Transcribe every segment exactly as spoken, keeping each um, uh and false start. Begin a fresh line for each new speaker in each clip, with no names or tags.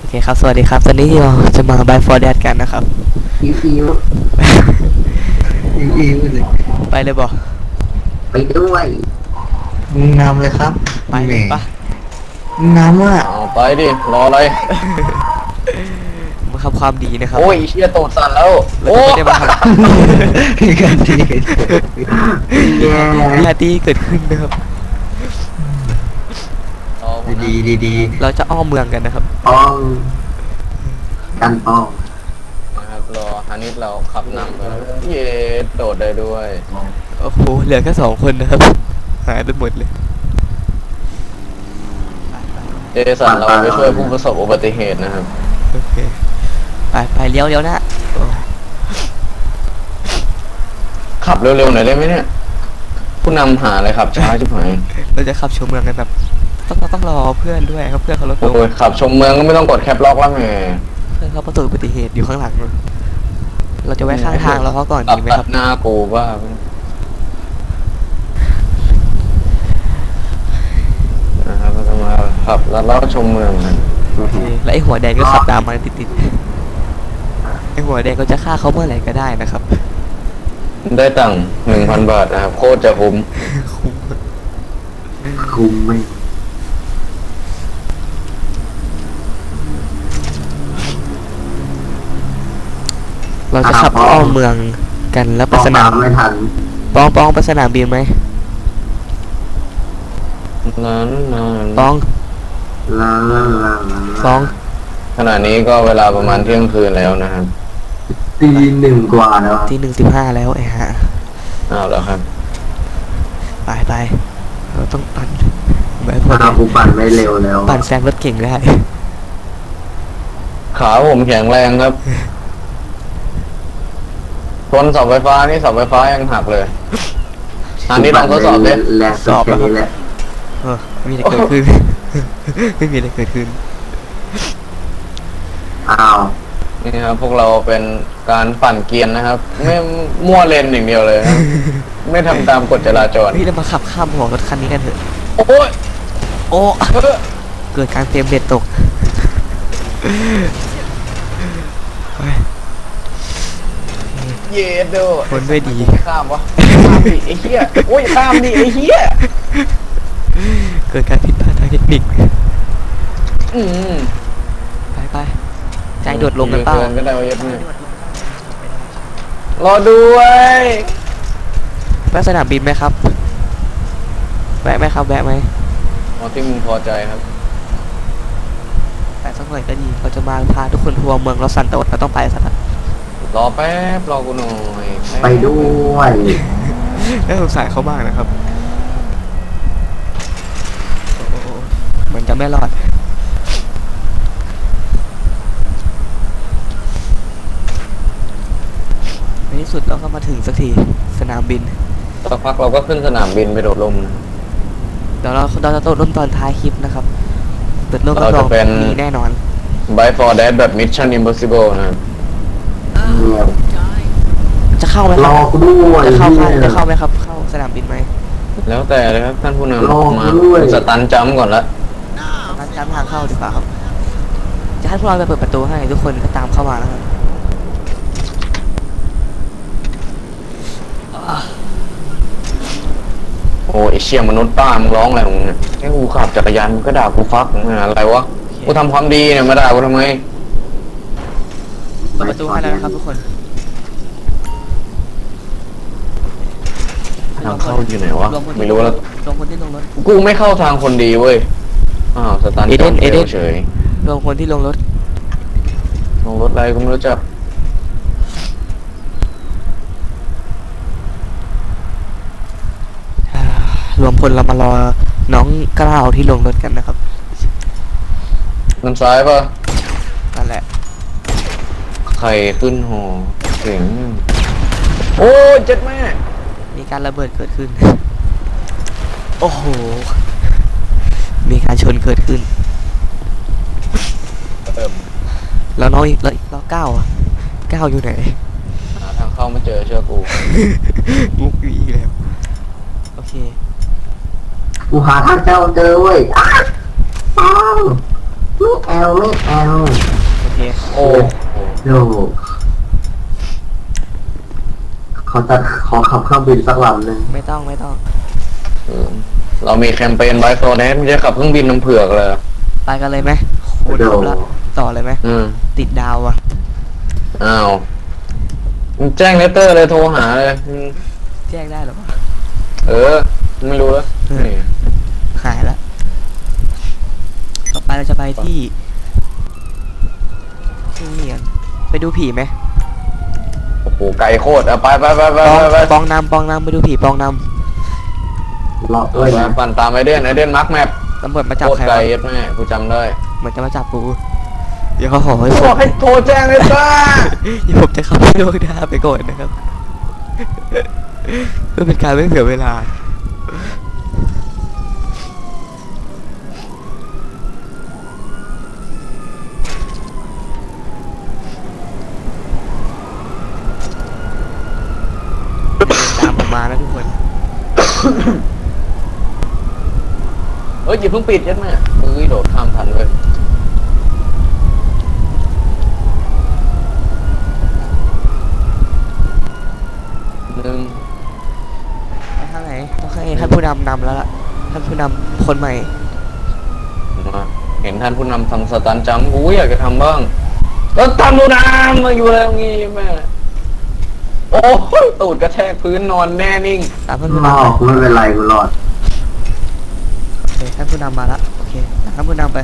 เคครับสวัสดีครับตอนนี้เราจะมา Buy for Dad กันนะครับ
อิวอิวอิวอิวเลย
ไปเลยบอก
ไปด้วยมึงนำเลยครับ
ไปเลยปะ
มึงนำอ่ะ
เอาไปดิรออะไร
มาทำความดีนะครับ
โอ้ยเชี่ยโตดสั่นแล้ว
เรา
โอ้
จะไม่ได้มาทำ
มีการทีแย่
ปาร์ตี้เกิดขึ้นนะครับ
ดีดีดี
เราจะอ้อมเมืองกันนะครับ
ป้องกันป้อง
นะครับรอฮันนิสเราขับนำไปเย้โดดได้ด้วย
โอ้โหเหลือแค่สองคนนะครับหายไปหมดเลย
เจสันเราไปช่วยผู้ประสบอุบัติเหตุนะครับ
โอเคไปไปเลี้ยวเลี้ยวนะโอ้
ขับเร็วๆหน่อยได้ไหมเนี่ยผู้นำหาอะไรขับช้าชิบหาย
เราจะขับชมเมืองกันแบบต้องต้องรอเพื่อนด้วยครับเพื่อนเขารถลง
โอ้ยขับชมเมืองก็ไม่ต้องกดแคปล็อกแล้วแหม
เพื่อนเขาประสบอุบัติเหตุอยู่ข้างหลังเราจะแวะข้างทางเราเขาก่อน
ขับ
ดีไหม
ตั
ครั
ด
บ
หน้ากูว่านะครับเราจะมาขับแล้วเราชมเมืองกัน
โอเคแล้วไอ้หัวแดงก็ขับตามมาติดๆไอ้หัวแดงก็จะฆ่าเขาเมื่อไหร่ก็ได้นะครับ
ได้ตังค์หนึ่งพันบาทนะครับโคตรจะคุ้ม
คุมไม่
เราจะขับอ้อมเมืองกันแล้วไปสนาม
ไม่ทัน
ปองปองไปสนามบินไหม
นั้นนาน
ปอง
ลาลาลาลา
ปอง
ขณะนี้ก็เวลาประมาณเที่ยงคืนแล้วนะครับ
ตีหนึ่งกว่าแล้ว
ที่หนึ่งสิบห้าแล้วไอ้ฮะ
อ้าวแล้วครับ
ไปไปเราต้องปั่นแบบพอ
ถ้ากูปั่นไม่เร็วแล้ว
ปั่นแซงรถเก่งได้
ขาผมแข็งแรงครับชนเสาไฟฟ้านี่เสาไฟฟ้ายังหักเลยอันนี้ลองทดสอบดิ
แรงสุดแค่นี้แหละ
เออไม่มีอะไรเกิดขึ้น ไม่มีอะไรเกิดขึ้น
อ้าว
นี่ครับพวกเราเป็นการปั่นเกียร์นะครับ ไม่มั่วเลนอย่างเดียวเลยนะไม่ทำตามกฎจราจร
พี่เรามาขับข้ามหัวรถคันนี้กันเถอะ
โอ้ย
โอ้
เออ
เกิดการเฟรมเรทตกไป
เย็ดโด
คนด้วยดี
ข้ามวะข้ามดิไอ้เหี้ยโอ้ยข้ามดิไอ้เหี้ย
เกิดการผิดพลาดทางเทคนิค
อืม
ไปไปใจโดดลงกันเปล่า
เก็ได้ว่าเย็ดเนี่ยรอด้วย
แวะสนามบินไหมครับแวะไหมครับแวะไหม
เอาที่มึงพอใจครับ
แวะสักหน่อยก็ดีเราจะมาพาทุกคนทัวร์เมืองลอสซันโตสเราต้องไปสัก
รอแป๊บรอกูหน่อย
ไปด้วย
น่าสงสารเขามากนะครับโอ้โหเหมือนจะไม่รอดในที่สุดเราก็มาถึงสักทีสนามบิน
สักพักเราก็ขึ้นสนามบินไปโดดลมนะ
เดี๋ยวเราเราจะโต้ร่มตอนท้ายคลิปนะครับเปิดโลกรับรองมีแน่นอน
Buy for Dad แบบ Mission Impossible นะครับ
เนี่ย
จะเข้าไหมค
ร
รั
อบ กูด้วย
จะเข้าเข้าจะเข้าไหมครับ เข้าสนามบินไหม
แล้วแต่เลยครับท่านผู้น
รอ
ำมา
ด้วย
สตันจัมป์ก่อนละ
งั้นจำทางเข้าดีกว่าครับจะให้พวกเราไปเปิดประตูให้ทุกคนก็ตามเข้ามาแล้วครับ
โอ้ยไอ้เชี่ยมนุษย์ป้ามึงร้องอะไรของมึงเนี่ยไอ้กูขับจักรยานมึงก็ด่ากูฟักมึงอะไรวะกูทำความดีเนี่ยมาด่ากูทำไม
เปิดประตูให้แล้วนะครับทุกคน
ทางเข้าอยู่ไหนวะ
รวคนที่
ไม่รู้แล้ว
รวมคนที่ลงรถ
กูไม่เข้าทางคนดีเว้ยอ้าวสตัน
เอเด
จั
น
มป์
เอเดน
เฉย
รวมคนที่ลงรถ
ลงรถอะไรกูไม่รู้จัก
อ่ารวมพลเรามารอน้องกล้าวที่ลงรถกันนะครับ
น้ำซ้ายปะ
นั่นแหละ
ใครขึ้นหอเสียงโอ้ยเจ็ดแม่
มีการระเบิดเกิดขึ้น โอ้โห มีการชนเกิดขึ้น
เติม
แล้วน้องอีกแล้วแล้วก้าวอ่ะก้าวอยู่ไหน
หาทางเข้าไม่เจอเชื่อกู
มุกอีกแล้ว โอเค
กูหาทางเจ้าเจอเว้ยอ้าวอ้าวไม่แอลไม่แอล
โอเค
โอ้
โยเขาจะขอขับเครื่องบินสักลำหนึ่ง
ไม่ต้องไม่ต้อง
เออเรามีแคมเปญไบโซเนสไม่ใช่ขับเครื่องบินน้ำเผือกเลย
ไปกันเลยไหมคูณครบแล้วต่อเลยไหม
อืม
ติดดาวอ่ะ
อ้าวมึงแจ้งเลตเตอร์เลยโทรหาเลยอืม
แจ้งได้หรอวะ
เออ ไม่รู้แล้วนี่
หายแล้วต่อไปเราจะไปที่ที่นี่กันไปดูผีไหม
โอ้โหไกลโคตรอ่ะไปไปไปไป
ปอง
ไปไป
ปองนำปองนำไปดูผีปองน
รอ
เอ
ด้วย
อ
นะ
ปั่นตามไอเดนไอเดนมาร์กแมป
ำตำรวจมาจับ
โคตร
ใคร
ไกล
วะ
เย็ดแม่กูจำได้
เหมือนจะมาจับกูเดี๋ยวเขาขอให้ผ
บอก
ม
ให้โทรแจ้งเลยจ้า
เดี๋ยวผมจะเข้าไปโลกหน้าไปก่อนนะครับ เพื่อเป็นการไม่เสียเวลาตามผมมานะทุกคน
เอ้ยอย่าเพิ่งปิดเย็ดแม่เอ้ยโดดข้ามทันเลยหนึ่ง
ไปทางไหนต้องให้ท่านผู้นำนำแล้วล่ะท่านผู้นำคนใหม่
มาเห็นท่านผู้นำทำสตันจัมป์กูอยากจะทำบ้างแล้วท่านผู้นำมาอยู่แล้วงี้แม่โอ้ยตูดกระแทกพื้นนอนแน่นิ่ง
ตามท่านผู้
ร
นำ
อ
ไป
กูไม่เป็นไรกูรอด
โอเคท่านผู้นำมาละโอเคตามท่านผู้นำไป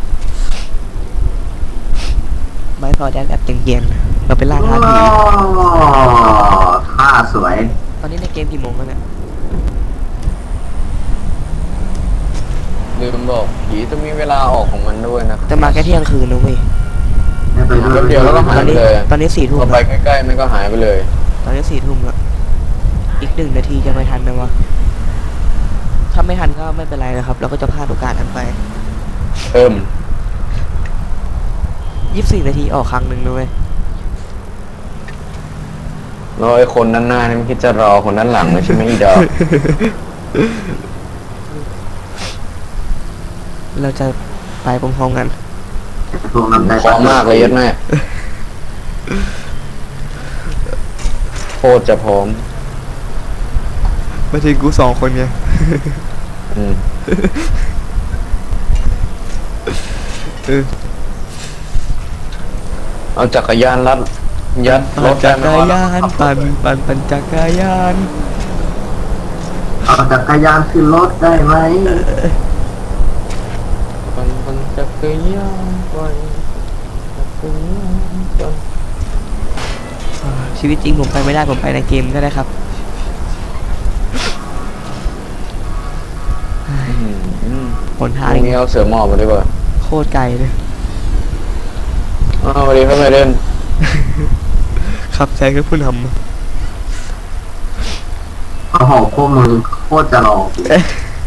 ไม่พอแดนแบบเย็นๆเราไปล่าท้าผี
ท่าสวย
ตอนนี้ในเกมกี่โมงแล้วเนี่ย
ลืมบอกผีจะมีเวลาออกของมันด้วยนะ
แต่มาแค่เที่ยงคืนนะเว้ย
ไม่ไปด้วย
แป๊บเดียวแล้วก็
ต
หา
อย น
ไป
นี้
เลย
ตอนนี้สี่ทุ่ม
พอไป
แล้ว
ใกล้ๆมันก็หายไปเลย
ตอนนี้สี่ทุ่มแล้วอีกหนึ่งนาทีจะไม่ทันไหมวะถ้าไม่ทันก็ไม่เป็นไรนะครับ เราก็จะพลาดโอกาสนั้นไป
เอิ่ม
ยี่สิบสี่นาทีออกครั้งหนึ่งนะเว้ย
แล้วไอ้คนด้านหน้านี่มันคิดจะรอคนด้านหลังเลยใช่ไหมอีดอก
เราจะไปพร้อมๆกัน
พวกนำใจ
พร้อมมากเลยยัดแม่โคตรจะพร้อม
มาถึงกูสองคนไง
อืม
เออ
เอาจักรยานรัดยัดร
ปั่น
ถ
จั
ได้
ก
ไหม
ร
วะ
ยานปั่นปั่นปั่นจักรยาน
เอาจักรยานขึ้นรถได้ไหม
ปั่นปั่นจักรยานปั่นจักรยานปั่น
ชีวิตจริงผมไปไม่ได้ผมไปในเกมก็ได้ครับ
อืมอืม
หน
พ
ทาง
รุ่งนี้เอาเสือหมอบมาดีกว่า
โคตรไกลเลย
อ้าวสวัสดีครับไมเดน
ขับแซงกับผู้น
โอ้โหพวกมึงโคตรจะหลอก
ำเอ๊ะ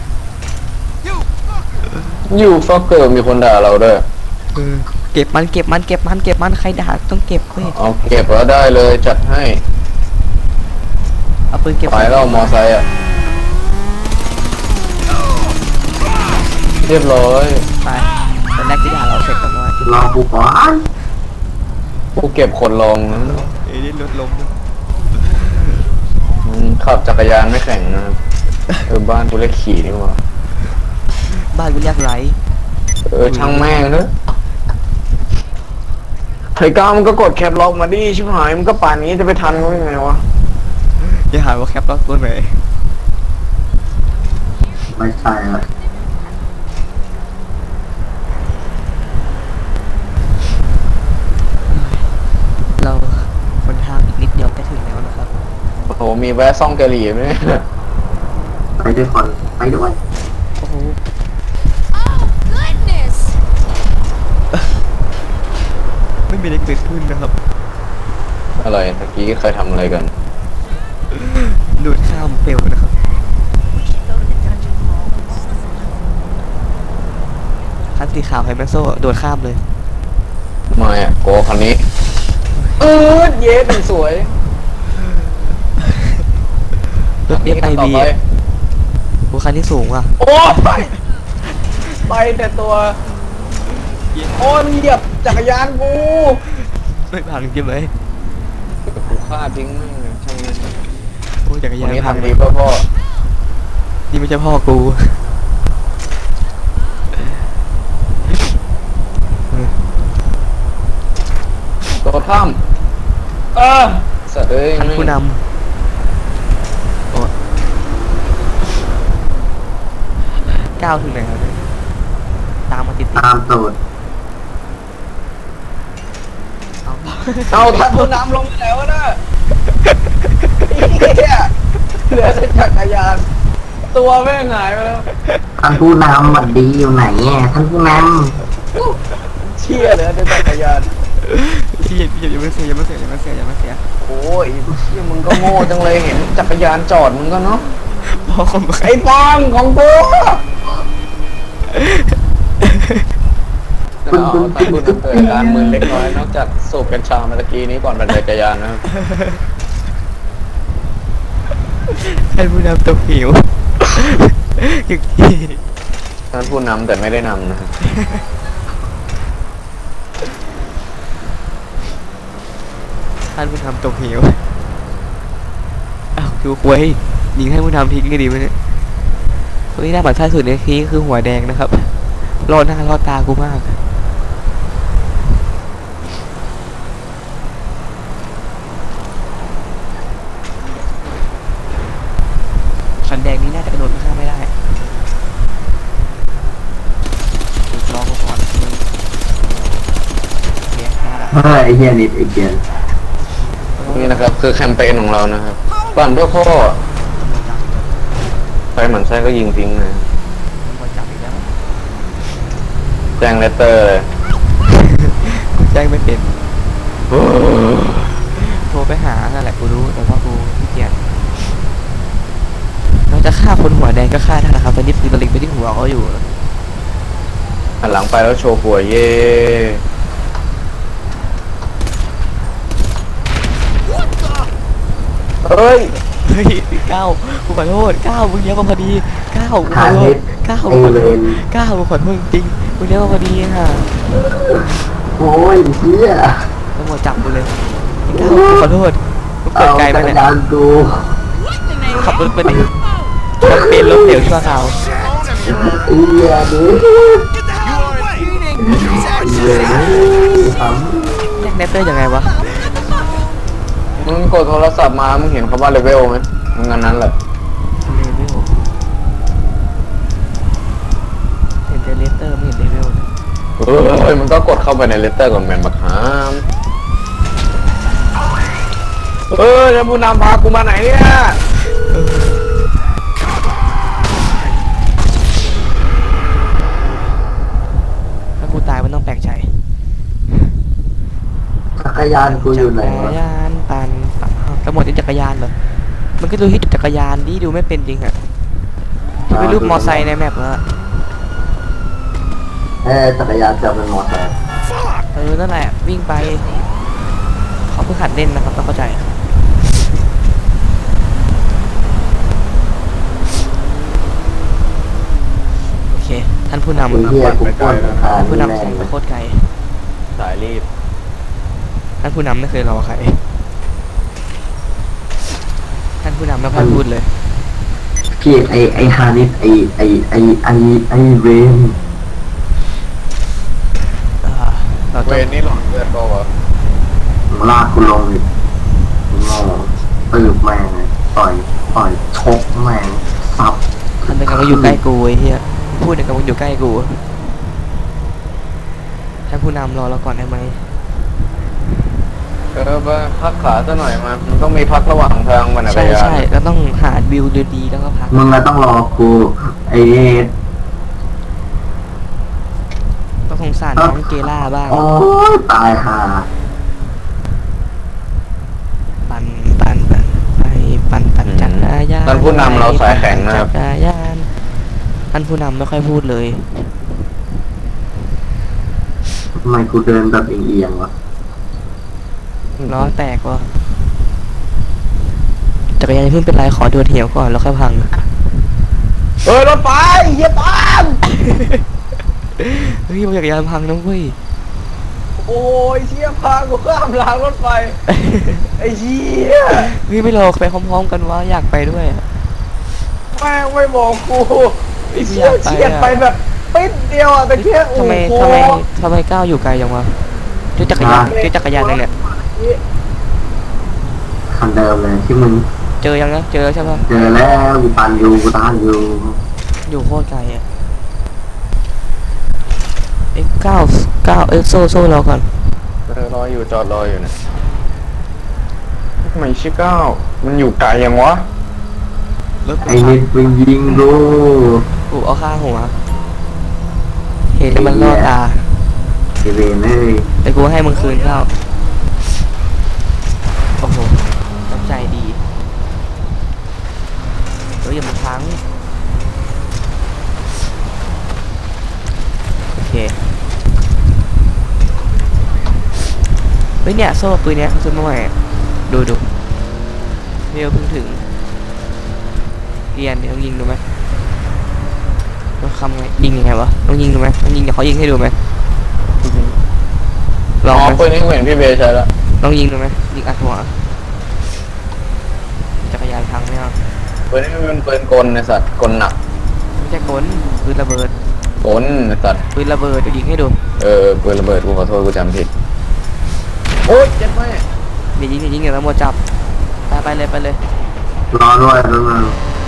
อยู่ฟอกเกอร์มีคนด่าเราด้วย
เออเก็บมันเก็บมันเก็บมันเก็บมันใครด่าต้องเก็บเว้ย
เอาเก็บแล้วได้เลยจัดให้
เอาปืนเก็บ
ไปแล้วมอไซค์อ่ะ เรียบร้อย
ไปตอนแรกที่ด่าเราเสร็จกันว่าร
อกูก่อน
ผู้เก็บคนลงนะ
เอ้ยรถล้ม
อืมขับจักรยานไม่แข่งนะครับเออบ้านกูเรียกขี่นี่หว่า
บ้านกูเรียกไร
เออช่างแม่งเนอะไอ้ก้าวมันก็กดแคปล็อกมาดิชิบหายมันก็ป่านนี้จะไปทันมันยังไงวะ
อย่าหาว่าแคปล็อกตัวไหน
ไม่ใช่ละ
เราคนทางอีกนิดเดียวจะถึงแล้วนะครับ
โอ้โหมีแวะซ่องกะหรี่ไหมเนี่ย
ไปด้วยคนไปด้วย
โอ้โห
Oh, goodness!
ไม่มีอะไรเกิดขึ้นนะครับ
อะไรตะกี้เคยทำอะไรกัน
ดูดข้ามเปลวนะครับคันสีขาวไฮแมนโซ่โดดข้ามเลย
ไม่อะโกคันนี้เออเย็ดสวย
รถเอฟไอ
ต่อ
บี
ไป
กูคันที่สูงว่ะ
โอ้ไปไปแต่ตัวโอ้ยเหยียบจักรยานกู
ไม่พังใช่ไหม
กูฆ่าทิ้งแม่งเลยช่างมัน
โอ้ยจักร
วั
ยาน น
นี้
พัง
ทำดีเพื่อพ่อ
นี่ไม่ใช่พ่อกู
ตัวถ้ำเออสัตว์เอ้ย
ท่านผู้นำโอ้ก้าวถึงไหนแล้วเนี่ยตามมาติดติด
ตามตูด
เอา
เอาท่านผู้นำลงไปแล้วนะเหี้ยเหลือแต่จักรยาน ตัวแม่งหายไปแล้ว
ท่านผู้นำหวัดดีอยู่ไหนอ่ะท่านผู้น
เชี่ยเหลือแต่จักรยาน
พี่อย่าอย่ามาเสียอย่ามาเสียอย่ามาเสียอย่ามาเสีย
โอ้ยเชี่ยมึงก็โง่จังเลยเห็นจักรยานจอดมึงก็เนาะ
พ่อคนมา
ไอ้ปองของกูเอาท่านผู้นำเกิดอาการมึนเล็กน้อยนอกจากสูบกัญชาเมื่อกี้นี้ก่อนปั่นจักรยานนะครับ
ท่านผู้นำตกหิวอีกที
ท่านผู้นำแต่ไม่ได้นำนะครับ
ท่านผู้นำตกหิวอ้าวดูควยยิงให้ผู้นำทิ้งก็ดีไหมเนี่ยคนที่น่าหมั่นไส้สุดในทีคือหัวแดงนะครับรอดหน้ารอดตากูมากคันแดงนี้น่าจะกระโดดข้ามไม่ได้ถูกลองมาก่อนมึงเนี่ยน่ารัก
ำเฮ้ยไอ้เหี้ยนิดไอ้เกียน
นี่นะครับคือแคมเปญของเรานะครับปั่นเพื่อพ่อใครหมั่นไส้ก็ยิงทิ้งนะ
มาจับอีกแล้ว
แจ้งเลตเตอร์เลย
แจ้งไม่เป็นโทรไปหานั่นแหละกูรู้แต่ว่ากูขี้เกียจเราจะฆ่าคนหัวแดงก็ฆ่าได้นะครับตอนนี้ปืนตะลิงไปที่หัวเขาอยู่
หันหลังไปแล้วโชว์หัวเย่ เฮ้ย
เฮ้ยก้าวกูขอโทษก้าวมึงเลี้ยวมาพอดีก้าวกูข
หา
อโท
นิ
ษ
ด
ก้าว
ไอ้
กูขอ
เว
โทษ
ร
ก้าวกูขอโทษจริงมึงเลี้ยวมาพอดีค่ะ
โอ้ยเหี้ย
ตำรวจจับกูเลยก้าวกูขอโทษกูเกิ
เอา
ดไกล
จั
ไป
กร
เนี่ย
ยานกู
ขับรถไปดิแคมเปญล้มเหลวชั่วคราว
ไอ้เหี้ยดิไอ้เวรท
แยกเนตเตอร์ยังไงวะ
มึงกดโทรศัพท์มา มึงเห็นคำว่าเลเวลไหมมึงอันนั้นแหละ
เลเวลเห็นแต่เลเตอร์ไม่เห็นเลเวลเลย
เฮ้ย มึงก็กดเข้าไปในเลตเตอร์ก่อนแมนบักฮามเออจะผู้นำพากูมาไหนเนี่ย
ถ้ากูตายมันต้องแปลกใจ
ำจักรยานกูอยู่ไหน
จัก
วะ
รยานปั่นปั่นอ้าวกระหมดที่จักรยานเหรอมันก็ดูที่จักรยานดิดูไม่เป็นจริงอะที่เป็นรูปมอไซค์ในแมปแล้วอะ
เอ้ยจักรยานจะเป็นมอเตอร์
เออนั่นแหละวิ่งไปเขาเพิ่งหัดเล่นนะครับต้องเข้าใจโอเคท่านผู้นำ
ไอ้เหี้ยกูปล้นทา
ท่าน นผู้
แน่
นำแสง
เลย
โคตรไกล
สายรีบ
ท่านผู้นำไม่เคยรอใครท่านผู้นำไม่ค่อยพูดเลย
พี่ไอไอฮานิสไอไอไอไอไอเวน
อ่าเรา
เว
ต้อง
นนี่หลอนเลือดก็วะ
มึงลากกูลงดิมึงโง่ตืบแม่งเลยต่อยต่อยชกแม่งซับ
ทำเป็นกับว่าอยู่ใกล้กูไอ้เหี้ยพูดในกับว่าอยู่ใกล้กูท่านผู้นำรอเราก่อนได้ไหม
เออมาพักขาซะหน่อยมามันต้องมีพักระหว่างทางมันอะ
ใช่
ไรยา
ใช่แล้วต้องหาวิวดีๆแล้วก็พัก
มึงอะต้องรอกูไอเอส
ต้องสงสารน้องเกล่าบ้าง
โอ้ยตายห่า
ปันปันปันไปปันปันจักรยาน
ท่านผู้นำเราสายแข็งนะครับ
จักรยานท่านผู้นำไม่ค่อยพูดเลย
ทำไมกูเดินแบบเอียงๆวะ
ล้อแตกวะจักรยานอย่าเพิ่งเป็นไรขอดวลเหี่ยวก่อนแล้วค่อยพัง
เฮ้ยรถไฟเหี้ยตาม
เฮ้ยมันจักรยานพังนะเว้ย
โอ้ยเชี่ยพากูข้ามรางรถไฟไอ้เชี่ย
เฮ้ยไม่รอไปพร้อมๆกันวะอยากไปด้วยอะ
แม่งไม่บอกกูไอ้เชี่ย
อยากไปอะ
เฉียดไปแบบปิดเดียวอ่ะแต่เชี่ยโอ้
ทำไม
โห
ทำไมทำไมก้าวอยู่ไกลจังวะเจ้าจักรยานเจ้าจักรยานอะไรเนี่ย
คันเดิมเลยที่มึง
เจอยังนะเจอแล้วใช่ปะ
เจอแล้วกูปันอยู่กูตานอยู่
อยู่โคตรไกลอ่ะเอ็กเก้าเก้าเอ็กโซโซรอก่อน
เออรออยู่จอดรออยู่เนี่ยทำไมชื่อเก้ามันอยู่ไกลยังวะ
รถ
ไอ้นิดมึงยิงกู
กูเอาข้างหัวเห็นแล้วมันล่อตา
ไอ้เวรเอ้ย
แต่กูให้มึงคืนข้าวโอ้โหน้ำใจดีเฮ้ยอย่ามันพังโอเคเฮ้ยเนี่ยโซ่ปืนเนี้ยเขาซื้อมาใหม่อะดูดูเรียวเพิ่งถึงเรียนเดี๋ยวต้องยิงดูไหมต้องทำไงยิงยังไงวะต้องยิงดูไหมต้องยิงเดี๋ยวเขายิงให้ดูไหมล
อ๋
อง
อ
ไหม
ปืนนี้กูเห็นพี่เบย์ใช้แล้ว
ลองยิงดูไหมยิงอัดหัวจักรยานพังไม่เอา
ปืนนี้มันเป็นปืนกลในสัตว์กลหนัก
ไม่ใช่กลปืนระเบิด
กลในสัตว์
ปืนระเบิดเดี๋ยวยิงให้ดู
เออปืนระเบิดกูขอโทษกูจำผิดโอ๊ยเจ็บไหม
เดี๋ยวยิงเดี๋ยวยิงเดี๋ยวตำรวจจับไปไปเลยไปเลย
รอด้วยแล้วมึง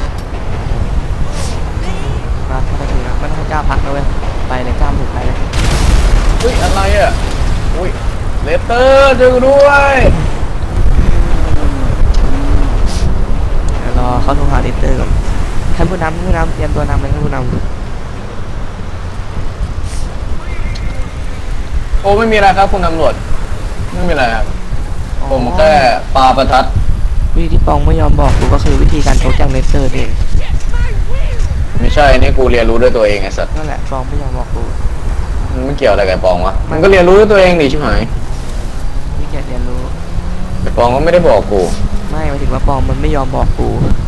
มาถ้าไปถึงนะไม่ต้องกล้าพักนะเว้ยไปเลยกล้ามถึงไปเลย
อุ้ยอะไรอ่ะอุ้ยเลเตอร์ช่วยกูด้วย
เดี๋ยวรอเขาโทรหาดิเตอร์ก่อนท่านผู้นำท่านผู้นำเตรียมตัวนำเลยท่านผู้นำ
โอ้ไม่มีอะไรครับคุณตำรวจไม่มีอะไรครับผมแค่ปาประทัด
วิธีที่ปองไม่ยอมบอกกูก็คือวิธีการชกจากเลเซอร์เอง
ไม่ใช่นี่กูเรียนรู้ด้วยตัวเองไอ้สัตว์
นั่นแหละปองไม่ยอมบอกกู
มันไม่เกี่ยวอะไรกับไอ้ปองวะมันก็เรียนรู้ด้วยตัวเองดิชิบหาย
วิธีเรียนรู้
ไอ้ปองก็ไม่ได้บอกกู
ไม่หมายถึงว่าปองมันไม่ยอมบอกกู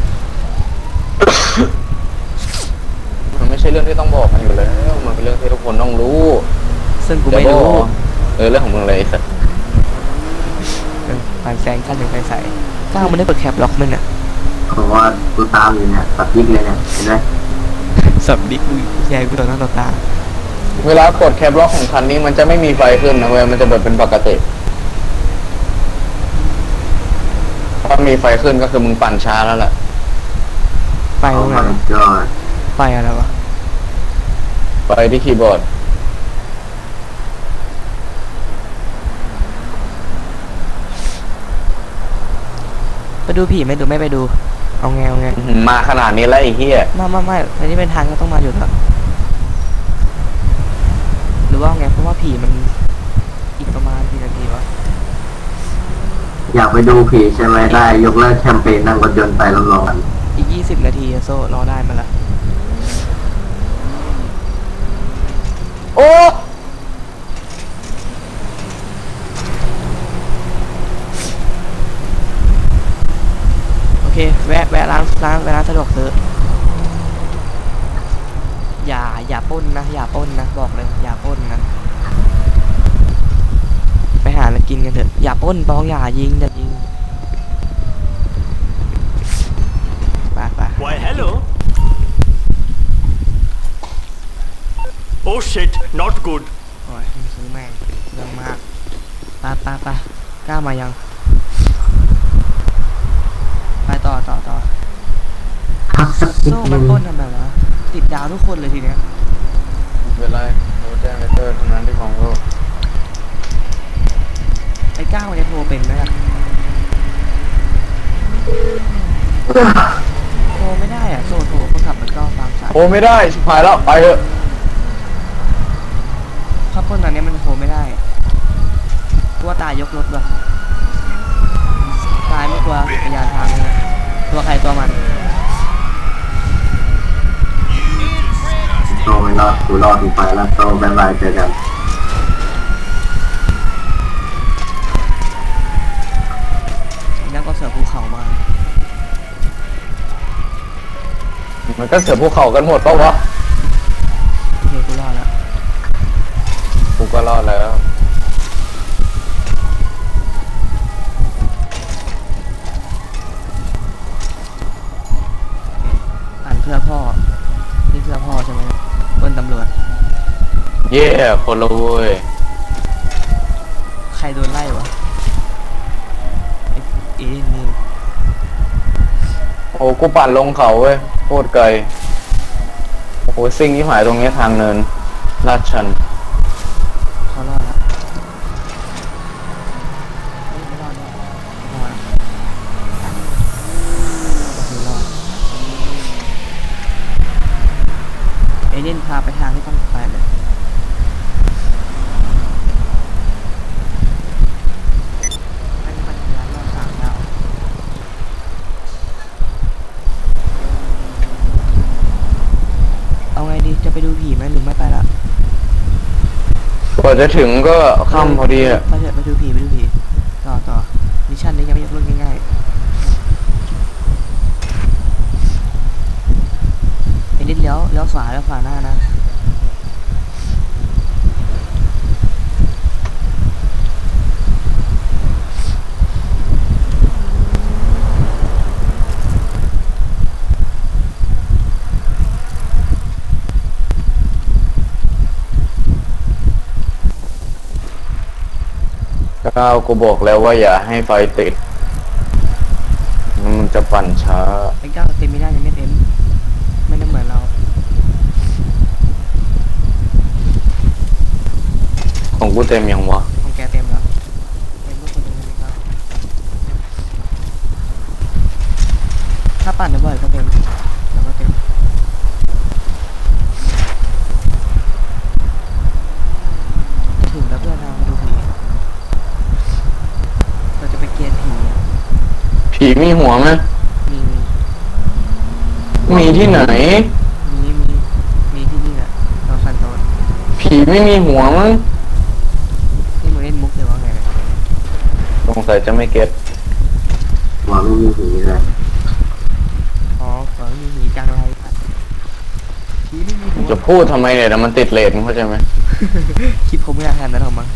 มันไม่ใช่เรื่องที่ต้องบอกกันอยู่แล้วมันเป็นเรื่องที่ทุกคนต้องรู้
ซึ่งกูไม่รู้
เออเรื่องของมึงเลยไอ้สัตว์
เออปานแสงขั้นหนึ่งไฟใสก้าวมันได้เปิดแคปล็อกมันอ่ะ
เพราะว่ากูตามอยู่เนี่ยตัดยิกเลยเนี่ยเห็นไหม
สับดิกูแย่กูต่อหน้าต่อตา
เวลากดแคปล็อกของคันนี้มันจะไม่มีไฟขึ้นนะเว้ยมันจะแบบเป็นปกติถ้ามีไฟขึ้นก็คือมึงปั่นช้าแล้วแหละ
ไฟ
โอ้
ตรงไหน
my
วะ
god
ไฟอะไรวะ
ไฟที่คีย์บอร์ด
ไปดูผีไหมดูไม่ไปดูเอาไงเอาไง
มาขนาดนี้แล้วไอ้เหี้ย
ไม่ไม่ไม่อันนี้เป็นทางก็ต้องมาอยู่แล้วหรือว่าไงเพราะว่าผีมันอีกประมาณกี่นาทีวะ
อยากไปดูผีใช่ไหมได้ยกเลิกแคมเปญนั่งรถยนต์ไปรับรองกัน
อีกยี่สิบนาทีอะโซ่รอได้มาละ
โอ้
โอเคแวะแวะร้านร้านแวะร้านสะดวกซื้ออย่าอย่าปล้นนะอย่าปล้นนะบอกเลยอย่าปล้นนะไปหาอะไรกินกันเถอะอย่าปล้นปองอย่ายิงอย่ายิงไปไป
Why, hello. Oh shit, not good.
โอ้ยมึงซื้อแม่งเรื่องมากไปไปไปกล้ามายังไปต่อต่อต่อ
พักสักนิด
โซ่
นึ
มัน
ง
ปล้นทำไมวะติดดาวทุกคนเลยทีเนี้ย
ไม่เป็นไรโทรแจ้งเลเตอร์เท่านั้นที่ของกู
ไอ้ก้าวเนี่ยโทรเป็นไหมอะโทรไม่ได้อะโซ่โทรคนขับมันก็ฟังสาย
โอ้ไม่ได้ชิบหายแล้วไปเถอะ
ข้าปล้นตอนนี้มันโทรไม่ได้กลัวตายยกรถว่ะตายไม่กลัวจักรยานทางเลยตัวใครตัวมัน
โตไม่รอดกูรอดกูไปแล้วโตบายบายเจอกัน
นั่นก็เสือภูเขามา
มันก็เสือภูเขากันหมดปะวะ
โอเคกูรอดแล้ว
เย่คนละเว้ย
ใครโดนไล่วะไอ้เอ็นนี่
โอ้กูปั่นลงเขาเว้ยโคตรไกลโอ้โหซิ่งที่หายตรงนี้ทางเนินลาดชัน
เขารอดแล้วเฮ้ยไม่รอดไม่รอดไม่รอดโอเครอดเอเดนพาไปทางที่ต้องไปเลยให้มันไปร้านรอบสามดาวเอาไงดีจะไปดูผีไหมหรือไม่ไปละ
กว่าจะถึงก็ค่ำพอดีอะ
ไปเถอะไปดูผีไปดูผีต่อต่อมิชชั่นนี้ยังไม่ยกเลิกง่ายๆไอ้นิดเลี้ยวเลี้ยวขวาเลี้ยวขวาหน้านะ
ก้าวกูบอกแล้วว่าอย่าให้ไฟติด มันจะปั่นช้า
ไอ้เก้าเต็มไม่ได้ยังไม่เต็มไม่ได้เหมือนเรา
ของกูเต็มยังวะ
ของแกเต็มแล้วเต็มลูกคนเดียวเลยครับถ้าปั่นได้บ่อยก็เต็มแล้วก็เต็มถึงแล้วเพื่อนเรามาดูผีเราจะไปเกียร์ผี
ผีมีหัวไหม
มี
มีที่ไหน
มีมีมีที่นี่แหละเราสันโตน
ผีไม่มีหัวมั้ง
นี่มึงเล่นมุกเลยว่าไงเนี่ย
สงสัยจะไม่เก็ต
หัวไม่มีผีเลย
อ๋อขอมีผีกลางไรปัดผีไม่มีหัว
จะพูดทำไมเนี่ยแต่มันติดเลทมึงเข้าใจไหม
คลิปเขาไม่ได้ทำนั้นหรอกมั้ง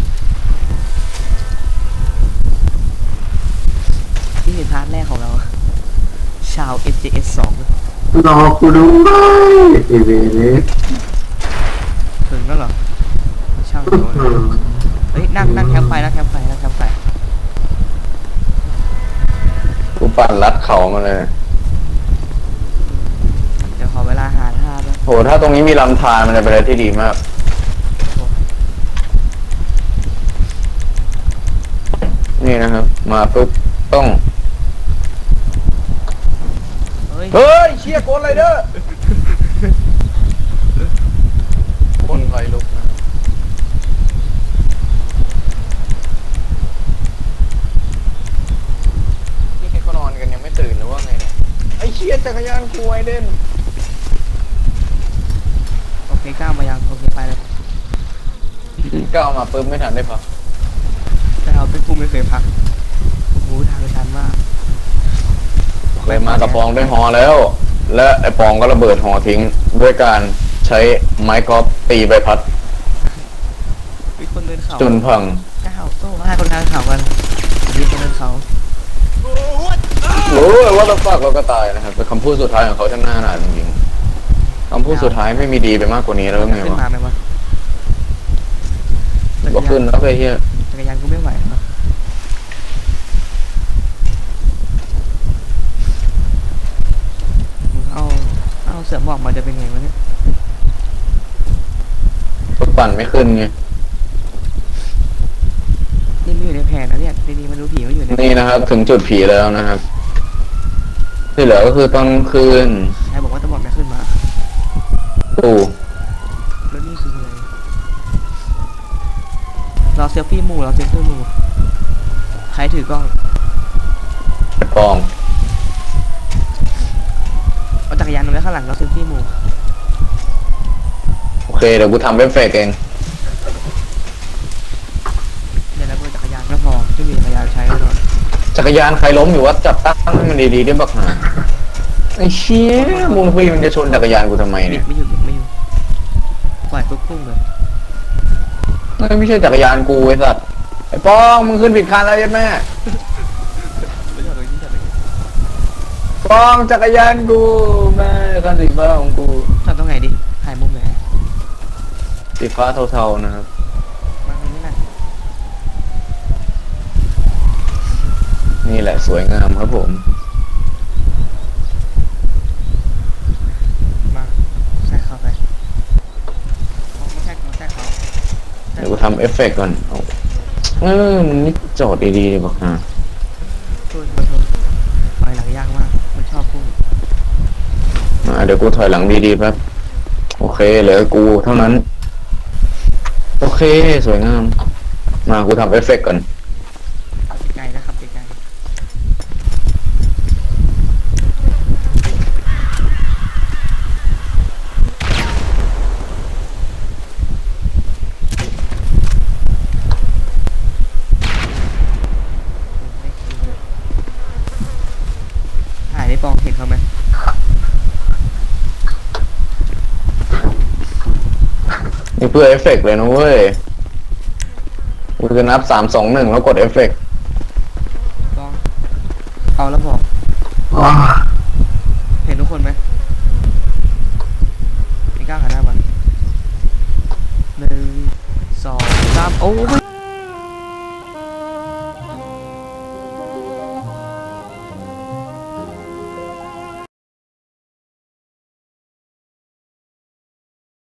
นี่เป็นพาร์ทแรกของเรา ชาว เอฟ เจ เอส สอง
รอกูด้วยไอเวรเลย
ถึงแล้วเหรอช่างโดนเฮ้ยนั่งนั่งแคมป์ไฟนั่งแคมป์ไฟนั่งแคมป์ไฟ
กูปั่นลัดเขามาเลย
เดี๋ยวขอเวลาหาท่าด้วย
โหถ้าตรงนี้มีลำธารมันจะเป็นอะไรที่ดีมาก นี่นะครับ มาปุ๊บต้อง
เฮ้ย
เฮ้ยเชี่ยโกนไรเด้อคนไฟลุกนะนี่แกก็นอนกันยังไม่ตื่นหรือว่าไงเนี่ยไอ้เชี่ยจักรยานกูไอเด่น
โอเคก้าวมายังโอเคไปเลย
ก้าวมาปุ๊บไม่ทันได้พัก
แต่เราเป็นผู้ไม่เคยพักโอ้โหทางชันมาก
เลยมากับปองด้วยฮอแล้ว และไอ้ปองก็ระเบิดฮอทิ้งด้วยการใช้ไม้กอล์ฟตีใบพัด
มีคนเดินเขา
จนพัง
ก้าวโต้ให้คนทางเขากันมีคนเดินเขา
รู้เลยว่าเราฝากเราก็ตายนะครับเป็นคำพูดสุดท้ายของเขาช่างน่าหนาจริงๆคำพูดสุดท้ายไม่มีดีไปมากกว่านี้แล้วไง
ขึ้น
วะ
มาไหมวะ
ก็ขึ้นแล้วไปเฮีย
จักรยานกูไม่ไหววะมึงเอาเอาเสือหมอกมาจะเป็นไงวะเนี่ย
รถปั่นไม่ขึ้นไง
นี่ไม่อยู่ในแผนนะเนี่ยดีๆมาดูผีไม่อยู่ใน
นี่นะครับ ถึงจุดผีแล้วนะครับ ที่เหลือก็คือตอนกลางคืน
ใครบอกว่าตำรวจไม่ขึ้นมา
ตู่
แล้วนี่คืออะไรรอเซลฟี่หมู่รอเซลฟี่หมู่ใครถือกล้อง
ไอ้ปอง
เอาจักรยานลงไว้ข้างหลังรอเซลฟี่หมู่
โอเคเดี๋ยวกูทำเว็บเฟกเอง
เดี๋ยวเราเปิดจักรยานก็พอไม่มีจักรยานใช้ก็นอน
จักรยานใครล้มอยู่ว่าจับตั้งให้มันดีๆได้บักหาไอ้เชี่ยมูลฟีมันจะชนจักรยานกูทำไม
บิ
เนี่
ด
ย
ไม่อยู่บิดไม่อยู่ปล่อยปุ๊บพุ่งเลย
ไม่ใช่จักรยานกูไอ้สัตว์ไอ้ปองมึงขึ้นผิดคันแล้วยัดแม่
ไม่จอดเลยที่จอดเลย
ปองจักรยานกูแม่คันสีฟ้าของกู
จอดตรงไหนดิถ่ายมุมไหน
สีฟ้าเทาๆนะครับ
มาตรงนี้นะ
นี่แหละสวยงามครับผม
มาใส่เข้าไปเอาไม่ใช่ไม่ใช่เขา
เดี๋ยวกูทำเอฟเฟกต์ก่อนเอาเออมึงนี่โจทย์ดีๆดิบอกฮะ
โทษขอโทษไปหลังยากมากมันชอบพุ่ง
อ่าเดี๋ยวกูถอยหลังดีๆแป๊บโอเคเหลือกูเท่านั้น โอเคสวยงาม มากูทำเอฟเฟกต์ก่อน
ไกลนะครับไกลถ่ายได้ปองเห็นเขาไหม
นี่เพื่อเอฟเฟกต์เลยนะเว้ยกูจะนับสามสองหนึ่งแล้วกดเอฟเฟกต์
ปองเอาแล้วบอก
ว้า
เห็นทุกคนไหมไม่กล้าหันหน้ามาหนึ่งสองสามโอ้ย